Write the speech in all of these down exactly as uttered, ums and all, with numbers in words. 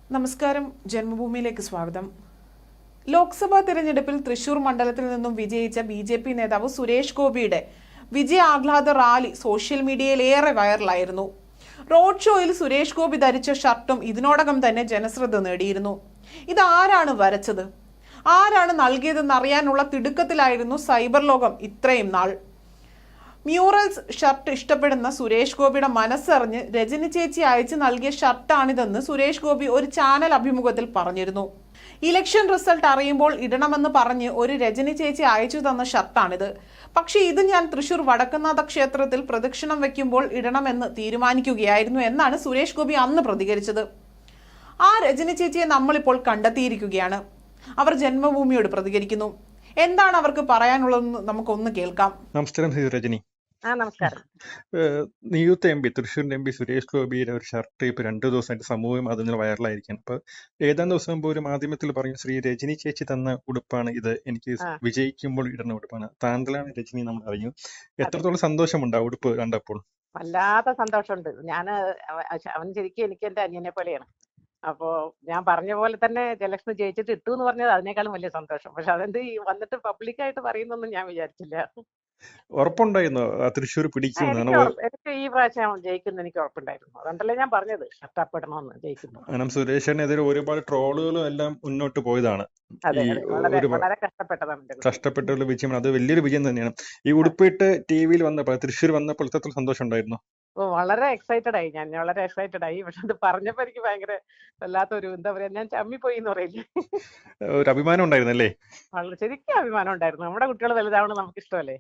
നമസ്കാരം, ജന്മഭൂമിയിലേക്ക് സ്വാഗതം. ലോക്സഭാ തിരഞ്ഞെടുപ്പിൽ തൃശൂർ മണ്ഡലത്തിൽ നിന്നും വിജയിച്ച ബി ജെ പി നേതാവ് സുരേഷ് ഗോപിയുടെ വിജയ ആഹ്ലാദ റാലി സോഷ്യൽ മീഡിയയിൽ ഏറെ വൈറലായിരുന്നു. റോഡ് ഷോയിൽ സുരേഷ് ഗോപി ധരിച്ച ഷർട്ടും ഇതിനോടകം തന്നെ ജനശ്രദ്ധ നേടിയിരുന്നു. ഇതാരാണ് വരച്ചത്, ആരാണ് നൽകിയതെന്നറിയാനുള്ള തിടുക്കത്തിലായിരുന്നു സൈബർ ലോകം ഇത്രയും നാൾ. മ്യൂറൽസ് ഷർട്ട് ഇഷ്ടപ്പെടുന്ന സുരേഷ് ഗോപിയുടെ മനസ്സറിഞ്ഞ് രജനി ചേച്ചി അയച്ചു നൽകിയ ഷർട്ടാണിതെന്ന് സുരേഷ് ഗോപി ഒരു ചാനൽ അഭിമുഖത്തിൽ പറഞ്ഞിരുന്നു. ഇലക്ഷൻ റിസൾട്ട് അറിയുമ്പോൾ ഇടണമെന്ന് പറഞ്ഞ് ഒരു രജനി ചേച്ചി അയച്ചു തന്ന ഷർട്ടാണിത്. പക്ഷേ ഇത് ഞാൻ തൃശൂർ വടക്കുന്നാഥ ക്ഷേത്രത്തിൽ പ്രദക്ഷിണം വെക്കുമ്പോൾ ഇടണമെന്ന് തീരുമാനിക്കുകയായിരുന്നു എന്നാണ് സുരേഷ് ഗോപി അന്ന് പ്രതികരിച്ചത്. ആ രജനി ചേച്ചിയെ നമ്മളിപ്പോൾ കണ്ടെത്തിയിരിക്കുകയാണ്. അവർ ജന്മഭൂമിയോട് പ്രതികരിക്കുന്നു. എന്താണ് അവർക്ക് പറയാനുള്ളതെന്ന് നമുക്കൊന്ന് കേൾക്കാം. നമസ്കാരം രജനി. ആ നമസ്കാരം. നിയുക്ത എം പി തൃശ്ശൂരിന്റെ എം പി സുരേഷ് ഗോപിയുടെ ഒരു ഷർട്ട് ഇപ്പൊ രണ്ടു ദിവസമായിട്ട് സമൂഹ മാധ്യമങ്ങളിൽ വൈറലായിരിക്കും. അപ്പൊ ഏതാനും ദിവസം മുമ്പ് ഒരു മാധ്യമത്തിൽ പറഞ്ഞു, ശ്രീ രജനി ചേച്ചി തന്ന ഉടുപ്പാണ് ഇത്, എനിക്ക് വിജയിക്കുമ്പോൾ ഇടുന്ന ഉടുപ്പാണ്. താങ്കളാണ് രജനി നമ്മൾ അറിഞ്ഞു. എത്രത്തോളം സന്തോഷമുണ്ട് ആ ഉടുപ്പ് കണ്ടപ്പോൾ? വല്ലാത്ത സന്തോഷമുണ്ട്. ഞാൻ അവൻ ശരിക്കും എനിക്ക് എന്റെ അനിയനെ പോലെയാണ്. അപ്പോ ഞാൻ പറഞ്ഞ പോലെ തന്നെ ഇലക്ഷൻ ജയിച്ചിട്ട് ഇട്ടു എന്ന് പറഞ്ഞത് അതിനേക്കാളും വലിയ സന്തോഷം. പക്ഷെ അതെന്ത് ഈ വന്നിട്ട് പബ്ലിക്കായിട്ട് പറയുന്നൊന്നും ഞാൻ വിചാരിച്ചില്ല. ഉറപ്പുണ്ടായിരുന്നു തൃശ്ശൂർ പിടിക്കും? എനിക്ക് ഈ പ്രാവശ്യം ജയിക്കുന്ന എനിക്ക് ഉറപ്പുണ്ടായിരുന്നു. അതുകൊണ്ടല്ലേ ഞാൻ പറഞ്ഞത് ഷർട്ടാപ്പെടണമെന്ന്. ജയിക്കുന്നു. കാരണം സുരേഷിനെതിരെ ഒരുപാട് ട്രോളുകളും എല്ലാം മുന്നോട്ട് പോയതാണ്. വളരെ കഷ്ടപ്പെട്ടതാണ്. കഷ്ടപ്പെട്ടുള്ള വിജയമാണ്. അത് വലിയൊരു വിജയം തന്നെയാണ്. ഈ ഉടുപ്പിട്ട് ടി വിയിൽ വന്നപ്പോൾ, തൃശ്ശൂർ വന്നപ്പോൾ എത്ര സന്തോഷം ഉണ്ടായിരുന്നു? ഓ, വളരെ എക്സൈറ്റഡ് ആയി ഞാൻ. വളരെ എക്സൈറ്റഡ് ആയി. പക്ഷെ അത് പറഞ്ഞപ്പോ എനിക്ക് ഭയങ്കര വല്ലാത്തൊരു, എന്താ പറയാ, ഞാൻ ചമ്മിപ്പോയി എന്ന് പറയില്ലേ, ഒരു അഭിമാനം ഉണ്ടായിരുന്നല്ലേ? വളരെ ശരിക്കും അഭിമാനം ഉണ്ടായിരുന്നു. നമ്മുടെ കുട്ടികൾ വലുതാവണം നമുക്ക് ഇഷ്ടമല്ലേ.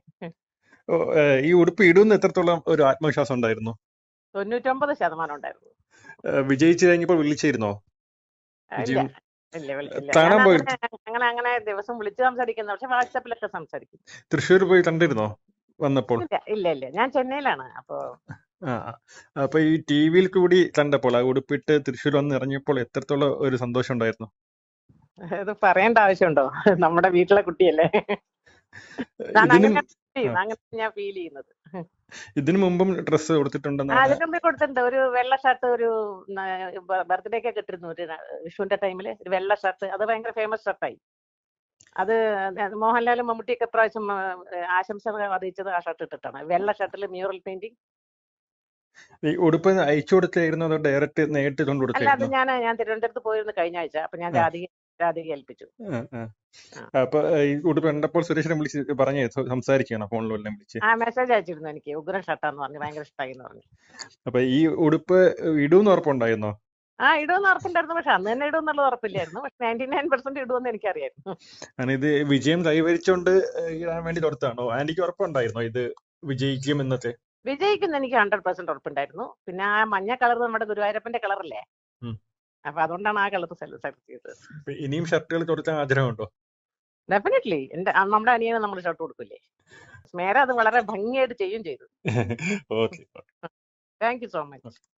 ഈ ഉടുപ്പ് ഇടുന്ന എത്രത്തോളം ഒരു ആത്മവിശ്വാസം ഉണ്ടായിരുന്നു? തൊണ്ണൂറ്റൊമ്പത് ശതമാനം ഉണ്ടായിരുന്നു. വിജയിച്ചു കഴിഞ്ഞപ്പോൾ വിളിച്ചിരുന്നോ? ഇല്ല ഇല്ല വിളിച്ചില്ല. അങ്ങനെ അങ്ങനെ ദിവസം വിളിച്ച് സംസാരിക്കുന്നു, പക്ഷെ വാട്സാപ്പിലൊക്കെ സംസാരിക്കും. തൃശ്ശൂർ പോയി കണ്ടിരുന്നോ വന്നപ്പോൾ? ഇല്ല ഇല്ല ഞാൻ ചെന്നൈയിലാണ്. അപ്പൊ അപ്പൊ ഈ ടി വിയിൽ കൂടി കണ്ടപ്പോൾ ആ ഉടുപ്പിട്ട് തൃശ്ശൂർ വന്ന് ഇറങ്ങിയപ്പോൾ എത്രത്തോളം ഒരു സന്തോഷം ഉണ്ടായിരുന്നു? ഇത് പറയേണ്ട ആവശ്യമുണ്ടോ? നമ്മുടെ വീട്ടിലെ കുട്ടിയല്ലേ. ഞാൻ ഫീൽ ചെയ്യുന്നത്. ഇതിനു മുമ്പും ഡ്രസ് കൊടുത്തിട്ടുണ്ടെന്ന്? അതിനു മുമ്പ് കൊടുത്തിട്ടുണ്ട്. ഒരു വെള്ള ഷർട്ട്, ഒരു ബർത്ത്ഡേ ഒക്കെ കിട്ടിയിരുന്നു ഒരു വിഷുവിന്റെ ടൈമില്, ഒരു വെള്ള ഷർട്ട്. അത് ഭയങ്കര ഫേമസ് ഷർട്ടായി. അത് മോഹൻലാലും മമ്മൂട്ടിയൊക്കെ പ്രാവശ്യം ആശംസകൾ അറിയിച്ചത് ആ ഷർട്ട് ഇട്ടിട്ടാണ്. വെള്ള ഷർട്ടിൽ മ്യൂറൽ പെയിന്റിങ്. ഈ ഉടുപ്പ് അയച്ചു കൊടുത്തായിരുന്നു അതോ ഡയറക്റ്റ് നേരിട്ട് കൊണ്ട് കൊടുത്തു? അല്ല, അത് ഞാൻ ഞാൻ തിരുവനന്തപുരത്ത് പോയിരുന്നു കഴിഞ്ഞ ആഴ്ച. അപ്പൊ ഞാൻ രാധിക രാധിക ഏൽപ്പിച്ചു. അപ്പൊ ഈ ഉടുപ്പ് കണ്ടപ്പോൾ സുരേഷിനെ വിളിച്ച് പറഞ്ഞേ സംസാരിക്കണം, ഫോണിലെല്ലാം വിളിച്ച്? ആ മെസ്സേജ് അയച്ചിരുന്നു. എനിക്ക് ഉഗ്രൻ ഷർട്ടാന്ന് പറഞ്ഞു, ഭയങ്കര ഇഷ്ടമായി എന്ന് പറഞ്ഞു. അപ്പൊ ഈ ഉടുപ്പ് ഇടൂന്ന് ഉറപ്പുണ്ടായിരുന്നോ? ആ ഇടുമെന്ന് ഉറപ്പുണ്ടായിരുന്നു. പക്ഷെ അന്ന് തന്നെ ഇടുമെന്നുള്ള ഉറപ്പില്ലായിരുന്നു. പക്ഷെ നയൻറ്റി നയൻ പെർസെന്റ് ഇടുമെന്ന് എനിക്കറിയായിരുന്നു. ഇത് വിജയം കൈവരിച്ചോണ്ട് ഇടാൻ വേണ്ടി തുറത്താണോ? ആന്റിക്ക് ഉറപ്പുണ്ടായിരുന്നോ ഇത് വിജയിക്കും എന്നൊക്കെ? വിജയിക്കുന്ന എനിക്ക് ഹൺഡ്രഡ് പെർസെന്റ് ഉറപ്പുണ്ടായിരുന്നു. പിന്നെ ആ മഞ്ഞ കളർ നമ്മുടെ ഗുരുവായൂരപ്പന്റെ കളറല്ലേ, അപ്പൊ അതുകൊണ്ടാണ് ആ കളർ സെലക്ട് ചെയ്തത്. ഇനിയും ഷർട്ടുകൾ തുറക്കാൻ ആഗ്രഹമുണ്ടോ? ഡെഫിനറ്റ്ലി. എന്റെ നമ്മുടെ അനിയനെ നമ്മൾ ഷർട്ട് കൊടുക്കില്ലേ. സ്മേര അത് വളരെ ഭംഗിയായിട്ട് ചെയ്യും ചെയ്തു. Okay, thank you so much.